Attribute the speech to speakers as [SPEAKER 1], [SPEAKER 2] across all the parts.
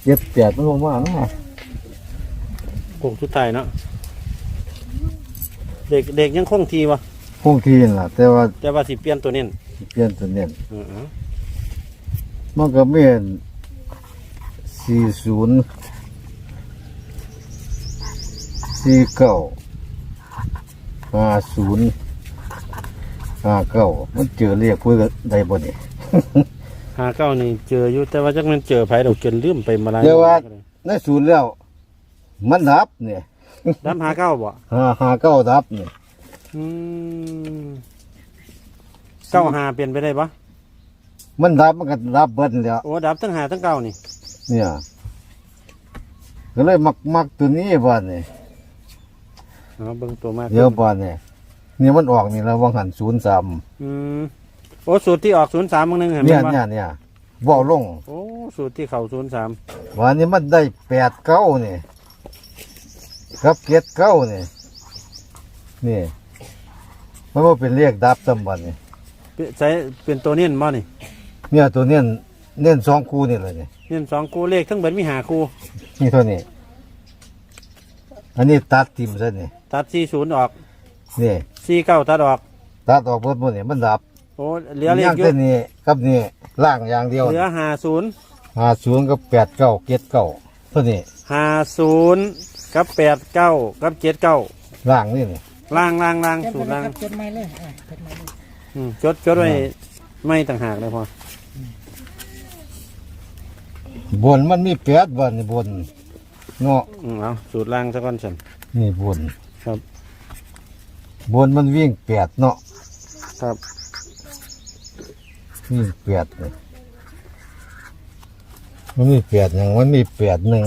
[SPEAKER 1] เจ็บแปดมันลงมาเนาะ
[SPEAKER 2] โค้งสุดท้ายเนาะเด็กยังคงทีวะ
[SPEAKER 1] คงที่ล่ะแต่ว่า
[SPEAKER 2] สิเปลี่ยนตัวเน้น
[SPEAKER 1] เปลี่ยนตัวเน้น
[SPEAKER 2] เออ
[SPEAKER 1] มันก็มี40 49 50 59มันเจอเรียกพูดกันได้บ่นี่
[SPEAKER 2] 59นี่เจออยู่แต่ว่าจักมันเจอไผดอกจนลืมไปมาหลาย
[SPEAKER 1] เดี๋ยวว่าในศูนย์แล้ว มันดับเนี่ย
[SPEAKER 2] ดับ59บ่
[SPEAKER 1] 59ดับเนี่ย
[SPEAKER 2] อืม95เปลี่ยนไปได้ปะ
[SPEAKER 1] มันดับมันก็ดับเบิดแล้ว
[SPEAKER 2] โอ้ดับทั้ง5ทั้ง9นี่
[SPEAKER 1] เนี่ยก็เลยมักตัวนี้บ้านนี่
[SPEAKER 2] เอาเบิ่งตัวมาก
[SPEAKER 1] เดี๋ยวบ้านนี่มันออกนี่แล้ววังหัน03
[SPEAKER 2] อืมโอ้สูตรที่ออก03มื้อนึงเห็น
[SPEAKER 1] เนี่ย
[SPEAKER 2] บ่
[SPEAKER 1] เนี่ยบ่ลง
[SPEAKER 2] โอ้สูตรที่เข้า03
[SPEAKER 1] วันนี้มันได้8 9นี่กับ7 9นี่นี่มันบ่เป็นเลขดับตำบัดนี่
[SPEAKER 2] ใช้เป็นตัวเน้นบ่นี่
[SPEAKER 1] เนี่ยตัวเน้น2คู่นี่เลยนี่
[SPEAKER 2] เน้น2คู่เลขทั้งเบิดมี5คู่
[SPEAKER 1] นี่เท่านี้อันนี้ตัดทิ่มซะนี่
[SPEAKER 2] ตัด40ออก
[SPEAKER 1] นี่
[SPEAKER 2] 49ตัดออก
[SPEAKER 1] ตัดออกเบิดหมดนี่มันดับ
[SPEAKER 2] โอ้เหลือเลข
[SPEAKER 1] ย่าง
[SPEAKER 2] อยู่
[SPEAKER 1] แต่นี้กับนี่ล่างอย่างเดียว
[SPEAKER 2] เหลือ50
[SPEAKER 1] 50กับ8 9 7 9เท่านี้
[SPEAKER 2] 50กับ89กับ79
[SPEAKER 1] ล่างนี่นี่
[SPEAKER 2] ล่างสูตรล่าง
[SPEAKER 3] จดไม่เลยจดไม่เลย
[SPEAKER 2] จดไว้ไม่ต่างหากเลยพอบ
[SPEAKER 1] นมันมี8บ่นี่บนเนาะ
[SPEAKER 2] เอาสูตรล่างซะก่อนฉัน
[SPEAKER 1] นี่บน
[SPEAKER 2] ครับ
[SPEAKER 1] บนมันวิ่ง8เนาะ
[SPEAKER 2] ครับ
[SPEAKER 1] วิ่ง8นี่มันมี8หยังมันมี8 1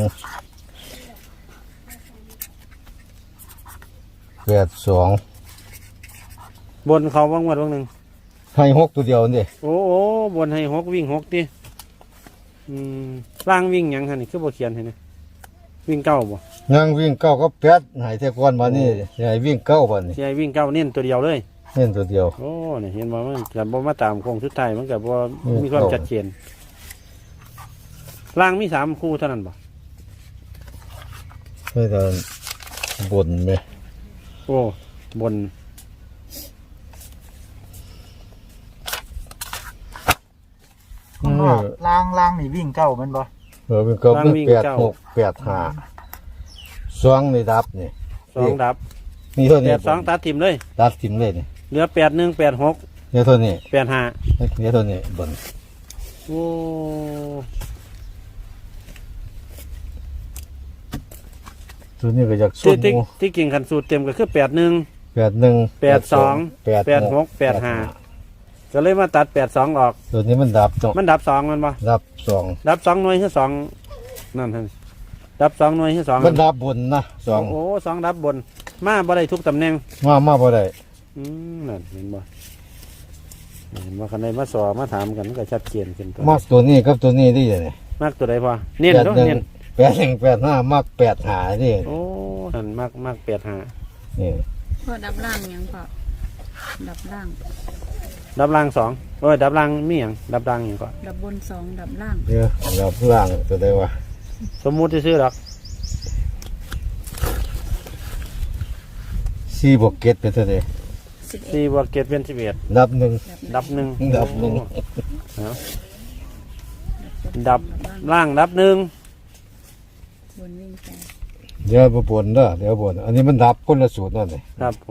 [SPEAKER 1] 8 2
[SPEAKER 2] บนเขาว่างวัดว่างหนึ่ง
[SPEAKER 1] ให้6ตัวเดียวนี่
[SPEAKER 2] โอ้บนให้6วิ่ง6ดิล่างวิ่งหยังฮะนี่คือบ่เขียนให้นะวิ่ง9บ่
[SPEAKER 1] ยังวิ่ง9กับ8ให้แต่ก่อนมานี่ให้วิ่ง9บัดนี่
[SPEAKER 2] สิให้วิ่ง9เน้นตัวเดียวเลย
[SPEAKER 1] เน้นตัวเดียว
[SPEAKER 2] โอ้นี่เห็นบ่มันก็บ่มาตามโค้งสุดท้ายมันก็บ่
[SPEAKER 1] อืม
[SPEAKER 2] มีความชัดเจนล่างมี3คู่เท่านั้นบ่
[SPEAKER 1] ให้แต่บนแม่
[SPEAKER 2] โอ้บน
[SPEAKER 3] ข้างนอกล่างนี่วิ่งเก้ามันบ่
[SPEAKER 1] วิ่ง9วิ่ง8 6 8 5 2นี่ดับนี่
[SPEAKER 2] 2ดับ
[SPEAKER 1] นี่เท่านี้
[SPEAKER 2] 82ตัดทิ่มเลย
[SPEAKER 1] ตัดทิ่มเลยนี่
[SPEAKER 2] เหลือ81 86
[SPEAKER 1] เนี่ยเท่านี้
[SPEAKER 2] 85
[SPEAKER 1] เนี่ยเท่านี้บน
[SPEAKER 2] โอ้
[SPEAKER 1] ตัวนี้ก็อยาก
[SPEAKER 2] ที่
[SPEAKER 1] สู้
[SPEAKER 2] ที่กิ่งขันสูตรเต็มก็คือ81
[SPEAKER 1] 81
[SPEAKER 2] 82 86 85ก็เลยมาตัด82ออก
[SPEAKER 1] ตัวนี้มันดับจ้ะ
[SPEAKER 2] มันดับ2มันบ่
[SPEAKER 1] ดับ2
[SPEAKER 2] ดับ2หน่วยคือ2นั่นท่านดับ2หน่วยคือ2
[SPEAKER 1] มันดับบนนะ
[SPEAKER 2] โอ้2ดับบนมาบ่ได้ทุกตำแหน่ง
[SPEAKER 1] มาบ่ได้
[SPEAKER 2] นั่นเห็นบ่เห็นว่าคันใดมาสอมาถามกันมันก็ชัดเจนขึ้นตัว
[SPEAKER 1] มักตัวนี้กับตัวนี้ได้ยังไง
[SPEAKER 2] มากตัวใดพอเน้นเนาะเน้น
[SPEAKER 1] 81 85มัก8 5นี่
[SPEAKER 2] โอ้นั่นมาก85
[SPEAKER 1] นี่
[SPEAKER 4] พอดับล่างยังพอดับล่าง
[SPEAKER 2] ดับล่าง2โอ้ยดับล่างมีหยังดับล่างหยังก่อน
[SPEAKER 4] ดับบนสองดับล่าง
[SPEAKER 1] เดี๋ยวดับล่างตัวได้ว่า
[SPEAKER 2] สมมุติซื่อๆดอก
[SPEAKER 1] 4บวก7เป็นเท่าใด
[SPEAKER 4] 11
[SPEAKER 2] 4บวก7เป็น11
[SPEAKER 1] ดับ1
[SPEAKER 2] ดับหนึ่ง
[SPEAKER 1] ดับหนึ่ง
[SPEAKER 2] เอาดับล่างดับหนึ่ง
[SPEAKER 4] บนวิ่งไป
[SPEAKER 1] เดี๋ยวบ่บนเด้อเดี๋ยวบนอันนี้มันดับคนละสูตรนั่นนี่
[SPEAKER 2] ครับผม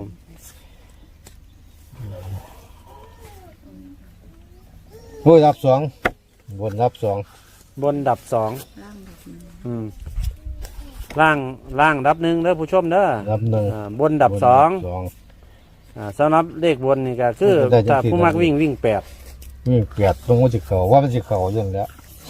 [SPEAKER 1] โอ้ยดับ2บนดับ2
[SPEAKER 2] บนดับสอง
[SPEAKER 4] ล่างดับหนึ่ง
[SPEAKER 2] ล่างดับหนึ่งเด้อผู้ชมเด้อ
[SPEAKER 1] ดับ1
[SPEAKER 2] บนดับสองสำหรับเลขบนนี่ก็คือ
[SPEAKER 1] ได้จัง
[SPEAKER 2] ถ้า
[SPEAKER 1] สิ
[SPEAKER 2] ผู้มักวิ่ง8
[SPEAKER 1] นี่8ตรงมันสิเข้าว่ามันสิเข้าอย่างแล้ว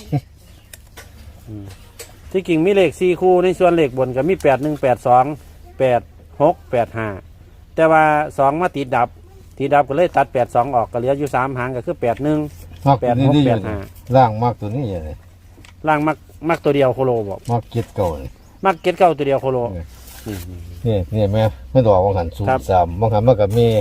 [SPEAKER 2] ที่กิ่งมีเลข4คู่ในส่วนเลขบนก็มี8 1 8 2 8 6 8 5แต่ว่า2มาติดดับก็เลยตัด8 2ออกก็เหลืออยู่3หางก็คือ8 1
[SPEAKER 1] มักตัวนี้ได้อยู่
[SPEAKER 2] 8 6 8 5
[SPEAKER 1] ล่างมักตัวนี้อย่างนี้
[SPEAKER 2] ล่างมักตัวเดียวโคโลบอก
[SPEAKER 1] มัก7เก่านี่
[SPEAKER 2] มักเก็ตเก้าตัวเดียวโคโล
[SPEAKER 1] นี่แม่มันออกวังหัน
[SPEAKER 2] ครับ
[SPEAKER 1] 03วังหันมันก็มี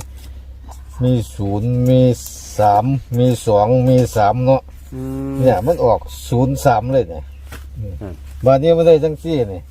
[SPEAKER 1] 0มี3มี2มี3เนาะ
[SPEAKER 2] อืม
[SPEAKER 1] เนี่ยมันออก03เลยเนี่ยบาดนี้มันได้จังซี่นี่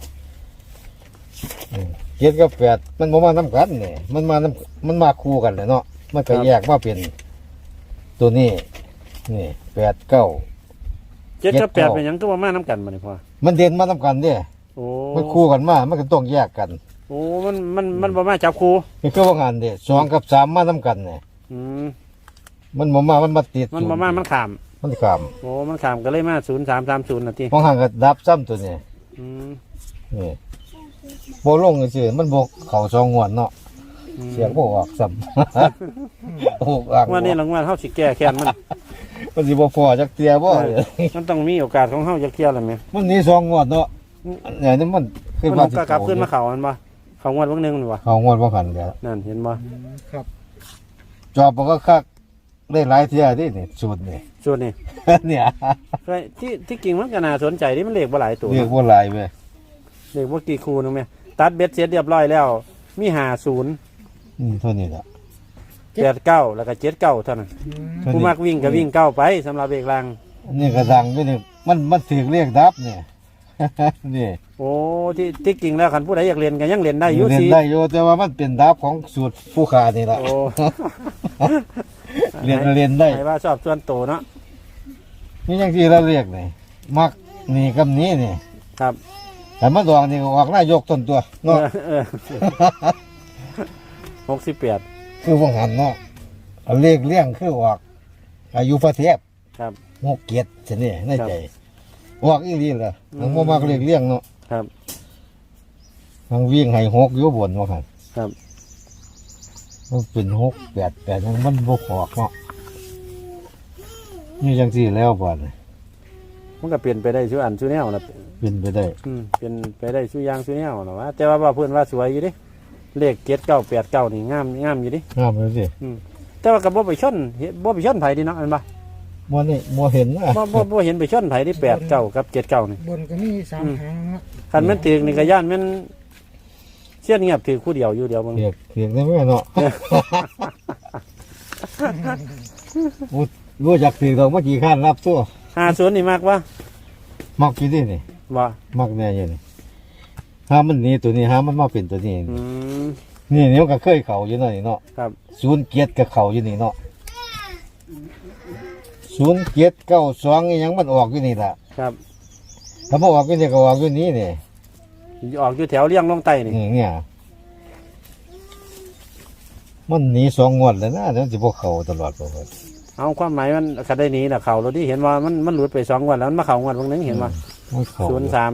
[SPEAKER 1] เจ็ดกับแปดมันบ่มานํกันนี่มันมาคู่กันเลยเนาะมันก็แยกมาเป็นตัวนี้นี่แปดเก้า
[SPEAKER 2] เจ็ดกับแปดเป็นหยังก็ว่ามาน้ำกันมาเนี่ยพ่อ
[SPEAKER 1] มันเด่นมานํกันเด้
[SPEAKER 2] โอ้
[SPEAKER 1] มันคู่กันมามันก็ต้องแยกกัน
[SPEAKER 2] โอ้มันบ่มาจับครู
[SPEAKER 1] นี่คือว่างานเด้สองกับสามมานํกันนี่
[SPEAKER 2] อืม
[SPEAKER 1] มันบ่มามันมาติด
[SPEAKER 2] มันบ่มามันขาม
[SPEAKER 1] มันขาม
[SPEAKER 2] โอ้มันขามก็เลยมา0330น่ะติ
[SPEAKER 1] บางครั้งก็ดับซ้ำตัวนี้
[SPEAKER 2] อืม
[SPEAKER 1] นี่บ่ลงซื่อๆมันบ่เข้าสองงวดเนาะเสียงบ่ออกซ้ำ โอ้อ่าง
[SPEAKER 2] วันนี้รางวัลเฮาสิแก้แค้นมัน
[SPEAKER 1] มันสิบ่พอจักเตียบ่
[SPEAKER 2] มันต้องมีโอกาสของเฮาจะเคลียร์แล้วแม่
[SPEAKER 1] มันหนี่สองงวดเนาะเนี่ยนี่มันคือ
[SPEAKER 2] มัน
[SPEAKER 1] ว่า
[SPEAKER 2] ก็กลับขึ้นมาเข้ามันบ่เข้างวดเบิ่งหนึงนี่บ่
[SPEAKER 1] เขางวดบ่คันเดียว
[SPEAKER 2] นั่นเห็นบ่
[SPEAKER 3] ครับ
[SPEAKER 1] จอบมันก็คักได้หลายเที่ยดินี่สูตรนี่
[SPEAKER 2] ส่วนนี้
[SPEAKER 1] เนี่ย
[SPEAKER 2] ก็ที่จริงมันก็น่าสนใจที่มันเลขบ่หลายตัว
[SPEAKER 1] เรียกว่าหลายเว้ย
[SPEAKER 2] เลขบ่กี่คู่นึงแม่ตัดเบ็ดเสร็จเรียบร้อยแล้ว มี50
[SPEAKER 1] เท่านี้ล่ะ
[SPEAKER 2] 89แล้วก็79เท่านั้น
[SPEAKER 1] เท่า
[SPEAKER 2] ผู้
[SPEAKER 1] นี้
[SPEAKER 2] มักวิ่งก็วิ่งเก้าไปสำหรับเลขล่าง
[SPEAKER 1] นี่ก็ดังอยู่นี่มันถือเรียกดับเนี่ย นี่
[SPEAKER 2] โอ้ที่จริงแล้วคันผู้ใดอยากเรียนก็ยังเรียนได้อยู่
[SPEAKER 1] เรียน
[SPEAKER 2] สิ
[SPEAKER 1] ได้อยู่แต่ว่ามันเป็นดับของสูตรผู้ขานี่ล่ะ
[SPEAKER 2] โอ้
[SPEAKER 1] เรียนได้
[SPEAKER 2] ให้ว่าชอบส่วนโตเนาะ
[SPEAKER 1] นี่ยังที่เราเรียกนี่มักนี่กับนี้นี่
[SPEAKER 2] ครับ
[SPEAKER 1] แต่มาดองนี่ก็ออกนายกต้นตัวเนาะ
[SPEAKER 2] 68
[SPEAKER 1] คือว่างหันเนาะเอาเลขเลี้ยงคือออกอายุพระเทพ
[SPEAKER 2] ครับ
[SPEAKER 1] 6 7ซั่นนี่ในใจออกอีหลีล่ะทั้งบ่มักเลขเลี้ยงเนาะ
[SPEAKER 2] ครับ
[SPEAKER 1] ทั้งวิ่งให้6อยู่บนว่าคั่น
[SPEAKER 2] ครับ
[SPEAKER 1] มันเป็น6 8 8มันบ่ออกเนาะนี่จังซี่แล้วบ่นี่
[SPEAKER 2] มันก็เปลี่ยนไปได้ชั่วอันชั่วแนวนะ
[SPEAKER 1] เป็นไปได้
[SPEAKER 2] เปลี่ยนไปได้ชั่วอย่างชั่วแนวนะว่าแต่ว่าเพื่อนว่าสวยอยู่ดิเลข7989นี่งามอยู่ดิ
[SPEAKER 1] งามเลยสิ
[SPEAKER 2] แต่ว่ากับบ่ไปชนบ่ไปชนไผดิเนาะอันบ่
[SPEAKER 1] บ่นี่บ่เห็นนะ
[SPEAKER 2] บ่เห็นไปชนไผที่89กับ79นี่
[SPEAKER 3] บนก็มีสามหางเนาะ
[SPEAKER 2] คันแม่นถึกนี่ก็ย่านแม่นเสียนเงียบถือคู่เดียวอยู่เดียวมึง
[SPEAKER 1] เรียกได้ไหมเนาะ รู้จักถือดอกเมื่อกี้ข้านรับตัว
[SPEAKER 2] 50นี่มากวะ
[SPEAKER 1] มักกี่ดินี่
[SPEAKER 2] บ่
[SPEAKER 1] มักแน่อยู่นี่ห้ามันหนี่ตัวนี้ห้ามันมาเป็นตัวนี้
[SPEAKER 2] อืม
[SPEAKER 1] นี่มันก็เคยเข่าอยู่เนาะนี่เนาะ
[SPEAKER 2] ครับ
[SPEAKER 1] 07ก็เข่าอยู่นี่เนาะ0792อีหยังมันออกอยู่นี่ล่ะ
[SPEAKER 2] ครับ
[SPEAKER 1] ถ้าบ่ออกอยู่นี่ก็ออกอยู่นี่นี่
[SPEAKER 2] ออกอยู่แถวเลี้ยงลงใต้นี่
[SPEAKER 1] เนี่ยมันหนี2 งวดแล้วนะเดี๋ยวสิบ่เข้าตลอดบ่ครับ
[SPEAKER 2] เอาความหมายมันคันได้หนี้น่ะเข้าแล้วดิเห็นว่ามันหลุดไป2งวดแล้วมันมาเข้างวดบางนึงเห็นว่า
[SPEAKER 1] มันเข้า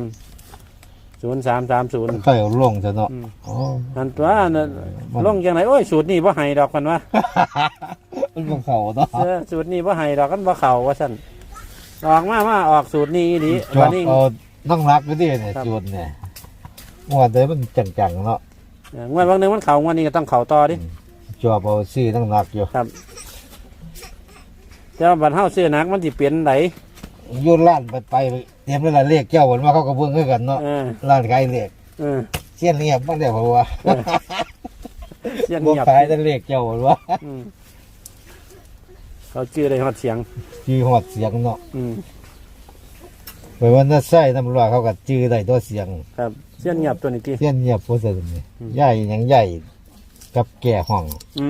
[SPEAKER 2] 0330
[SPEAKER 1] ใครเอาลงซะเนาะ
[SPEAKER 2] อืม
[SPEAKER 1] อ๋อ
[SPEAKER 2] อันตัวน่ะลงจังไดโอ้ยสูตรนี้บ่ให้ดอกกันว่า
[SPEAKER 1] มันบ่เข้าเนาะ
[SPEAKER 2] สูตรนี้บ่ให้ดอกกันบ่เข้าว่าซั่นออกมาออกสูตรนี้อีหลี
[SPEAKER 1] จอ
[SPEAKER 2] วั
[SPEAKER 1] ด
[SPEAKER 2] นนี้
[SPEAKER 1] เอาต้องรักไปดิเนี่ย
[SPEAKER 2] ครับ
[SPEAKER 1] จุดเนี่ยว่าแต่มันจังๆเนาะ
[SPEAKER 2] งวดบางนึงมันเข้างวดนี้ก็ต้องเข้าต่อดิ
[SPEAKER 1] จอบเอาซี่ต้องรักอยู่
[SPEAKER 2] ครับแต่ว่าบัดเฮาซื้อหนักมันสิเปลี่ยนได
[SPEAKER 1] อยุ่ร้านไปเตรียมเวลาเลขเจ้าวันว่าเขาก็เบิ่งคือกันเนาะ
[SPEAKER 2] เออ
[SPEAKER 1] ร้านขายเลข
[SPEAKER 2] เออ
[SPEAKER 1] เสี้ยนเงียบบ้างเดียวเพราะว่า
[SPEAKER 2] เสียง
[SPEAKER 1] บ่
[SPEAKER 2] เงียบ
[SPEAKER 1] ขายแต่เลขเจ้าวันว่า
[SPEAKER 2] อืมเขาชื่อได้ฮอดเสียง
[SPEAKER 1] จีหอดเสียงเนาะ
[SPEAKER 2] อืม
[SPEAKER 1] ไปวันนั้นใส่ตำรวจเขาก็จื้อได้ตัวเสียง
[SPEAKER 2] ครับเสียงเงียบตัวนี้ติ
[SPEAKER 1] เสี้ยนเงียบโพสต์นี่ใหญ่หยังใหญ่กับแก่ห้อง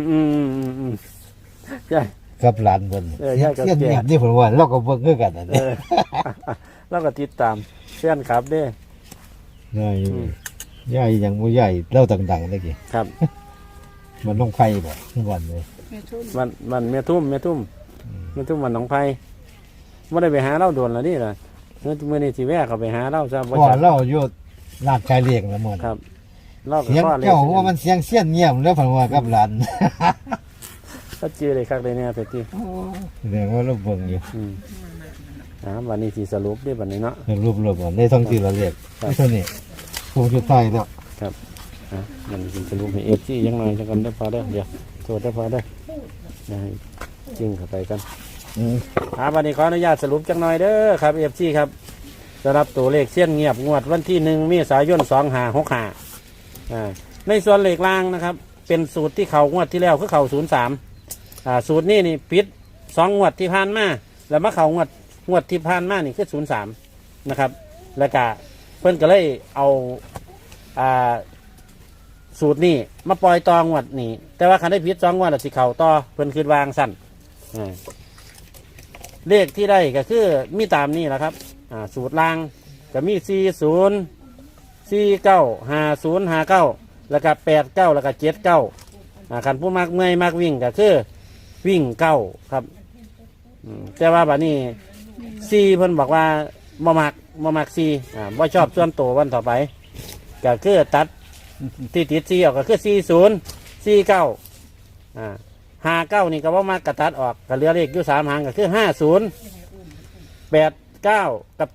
[SPEAKER 2] ใช่
[SPEAKER 1] กับหลานเพิ่น
[SPEAKER 2] ใหญ่กับ
[SPEAKER 1] เสี้ยน
[SPEAKER 2] แก่
[SPEAKER 1] เงียบนี่เพิ่นว่าเราก็เบิ่งคือกันนั่น
[SPEAKER 2] เออ แล้วก็ติดตามเสียนครับเด้
[SPEAKER 1] ใหญ่ใหญ่หยังบ่ใหญ่เล่าดังๆเด้อกี้
[SPEAKER 2] ครับ
[SPEAKER 1] มันต้องไผบ่ทุกวันเลย
[SPEAKER 4] แม่ทุ่ม
[SPEAKER 2] มันแม่ทุ่มมันหนองไผ่บ่ได้ไปหาเราโดนแล้วนี่ล่ะเมื่อนี้สิแวะเข้าไปหาเราซะบ่
[SPEAKER 1] พ่อ
[SPEAKER 2] จัก
[SPEAKER 1] เราอยู่ร้านขายเลขแล้วหมด
[SPEAKER 2] ครับเราก็
[SPEAKER 1] เสียง
[SPEAKER 2] พ่อเลย
[SPEAKER 1] เจ้าว่ามันเสียงเสี้ยนเงียบแล้วเพิ่นว่ากับหลาน
[SPEAKER 2] ก็ชื่อเลยคักเลยเนี่ยแต่ที่
[SPEAKER 1] แสดงว่าเราเบิ่งอยู่
[SPEAKER 2] วันนี้สิสรุปเด้บัดนี้เนาะ
[SPEAKER 1] รวบๆกันในท้องที่เราเรียก
[SPEAKER 2] ครับ
[SPEAKER 1] เท่านี้คงสุดท้ายแล้ว
[SPEAKER 2] มันสิสรุปให้ FC ยังหน่อยจังกันได้อพอเด้อเดี๋ยวโทษได้อพอเด้อได้จริงเข้าไปกัน วันนี้ขออนุญาตสรุปจังหน่อยเด้อครับเอฟซีครับสำหรับตัวเลขเสี้ยนเงียบงวดวันที่1 เมษายน 2565ในส่วนเลขล่างนะครับ เป็นสูตรที่เขางวดที่แล้วคือเขา03สูตรนี้นี่ปิด2 งวดที่ผ่านมาแล้วมาเขางวดที่ผ่านมานี่คือ03นะครับแล้วก็เพิ่นก็เลยเอาสูตรนี้มาปล่อยตองวดนี่แต่ว่าคันได้ผิด2 งวดแล้วสิเข้าต่อเพิ่นคิดวางสั้นเลขที่ได้ก็คือมีตามนี้แหละครับสูตรล่างก็มี40 49 50 59แล้วก็89แล้วก็79คันผู้มักเมื่อยมักวิ่งก็คือวิ่ง9ครับแต่ว่าบัดนี้4เพิ่นบอกว่าบ่มัก4บ่ชอบส่วนตัววันต่อไปก็คือตัดที่ติด4ออกก็คือ40 49 59นี่ก็บ่มักก็ตัดออกก็เหลือเลขอยู่3 หางก็คือ50 89กับ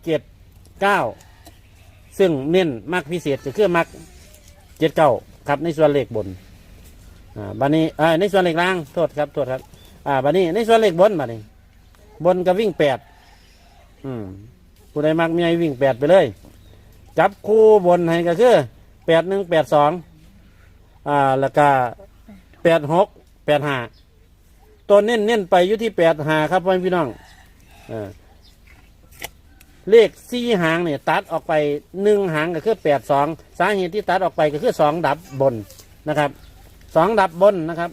[SPEAKER 2] 79ซึ่งเน้นมักพิเศษก็คือมัก79ครับในส่วนเลขบนบัดนี้ในส่วนเลขล่างโทษครับบัดนี้ในส่วนเลขบนบัดนี้บนก็วิ่ง8ผู้ใดมักมีให้วิ่ง8ไปเลยจับคู่บนให้ก็คือ81 82แล้วก็86 85ตัวเน้นไปอยู่ที่85ครับพ่อพี่น้องเลข4 หางเนี่ยตัดออกไป1 หางก็คือ82สาเหตุที่ตัดออกไปก็คือ2 ดับบนนะครับ2 ดับบนนะครับ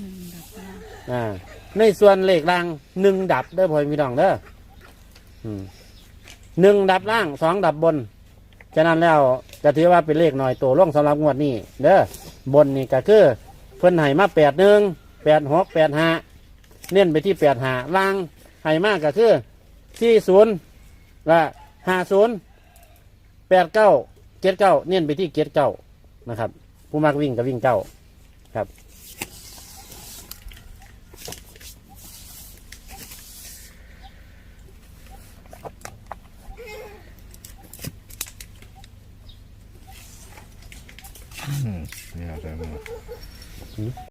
[SPEAKER 2] ในส่วนเลขล่าง1 ดับเด้อพ่อพี่น้องเด้อ1 ดับล่าง2 ดับบนฉะนั้นแล้วจะถือว่าเป็นเลขหน่อยตัวร่วงสำหรับงวดนี้เด้อบนนี่ก็คือเพิ่นให้มา81 86 85เน้นไปที่85ล่างให้มากก็คือ40และ50 89 79เน้นไปที่79นะครับผู้มักวิ่งก็วิ่ง9ครับ
[SPEAKER 1] นี่เอาใจมา